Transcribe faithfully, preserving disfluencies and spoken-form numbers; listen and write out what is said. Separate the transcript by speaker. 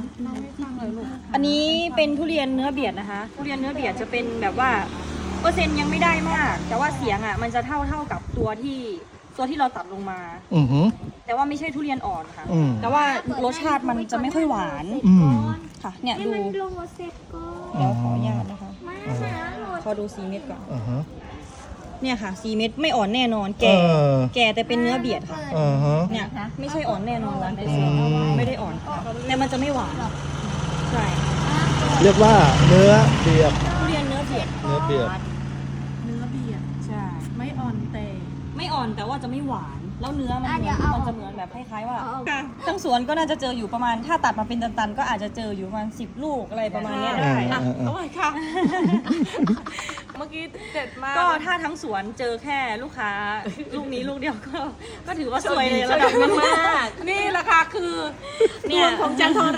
Speaker 1: อันนี้เป็นทุเรียนเนื้อเบียดนะคะทุเรียนเนื้อเบียดจะเป็นแบบว่าเปอร์เซ็นต์ยังไม่ได้มาก แต่ว่าเสียงอ่ะมันจะเท่าเท่ากับตัวที่ตัวที่เราตัดลงมา
Speaker 2: อือหือ
Speaker 1: แต่ว่าไม่ใช่ทุเรียนอ่อนค่ะ
Speaker 2: อืม
Speaker 1: แต่ว่ารสชาติมันจะไม่ค่อยหวาน
Speaker 2: อืม
Speaker 1: ค่ะเนี่ย
Speaker 3: ให้
Speaker 1: ดู
Speaker 3: มันโลเสร็จก่อน
Speaker 1: เดี๋ยวขออนุญาตนะคะ
Speaker 3: มาหาโหลด
Speaker 1: ขอดูสีเม็ดก่อน
Speaker 2: อ่าฮะ
Speaker 1: เนี่ยค่ะสีเม็ดไม่อ่อนแน่นอน แก่
Speaker 2: เออ
Speaker 1: แก่แต่เป็นเนื้อเบียดค่ะ
Speaker 2: อ่าฮะ
Speaker 1: เนี่ยไม่ใช่อ่อนแน่นอนร้านเปอร์
Speaker 2: อื
Speaker 1: เซ็นต์
Speaker 2: ม
Speaker 1: ไม่ได้อ่อนค่ะแต่มันจะไม่หวานใช่
Speaker 2: เรียกว่าเนื้อเบียด
Speaker 1: ทุเรียนเนื้อเบียด
Speaker 2: เนื้อเบียด
Speaker 4: เนื้อเบียด
Speaker 1: ใช่
Speaker 4: ไม่อ่อนแต่
Speaker 1: ไม่อ่อนแต่ว่าจะไม่หวาน แล้วเนื้อมัน
Speaker 3: อ่ะ
Speaker 1: เห
Speaker 3: เดี๋
Speaker 1: มื
Speaker 3: ย
Speaker 1: อ
Speaker 3: วน เอา
Speaker 1: มันจะเหมือนแบบคล้ายๆว่า
Speaker 3: เอาเอา
Speaker 1: ทั้งสวนก็น่าจะเจออยู่ประมาณถ้าตัดมาเป็นตันๆก็อาจจะเจออยู่ประมาณสิบลูกอะไรประมาณเนี้ย
Speaker 2: อ่า
Speaker 1: ได้
Speaker 2: อ่า
Speaker 4: อ่ะ
Speaker 2: อ่า
Speaker 4: อร่อยค่ะ เมื่อกี้เด็ดมาก
Speaker 1: ก็ถ้าทั้งสวนเจอแค่ลูกค้าลูกนี้ลูกเดียวก็ก็ถือว่าสวยเลยระดับหนึง
Speaker 4: มาก นี่แหละค่ะคือ
Speaker 1: เนี่ย
Speaker 4: ดวงของจันท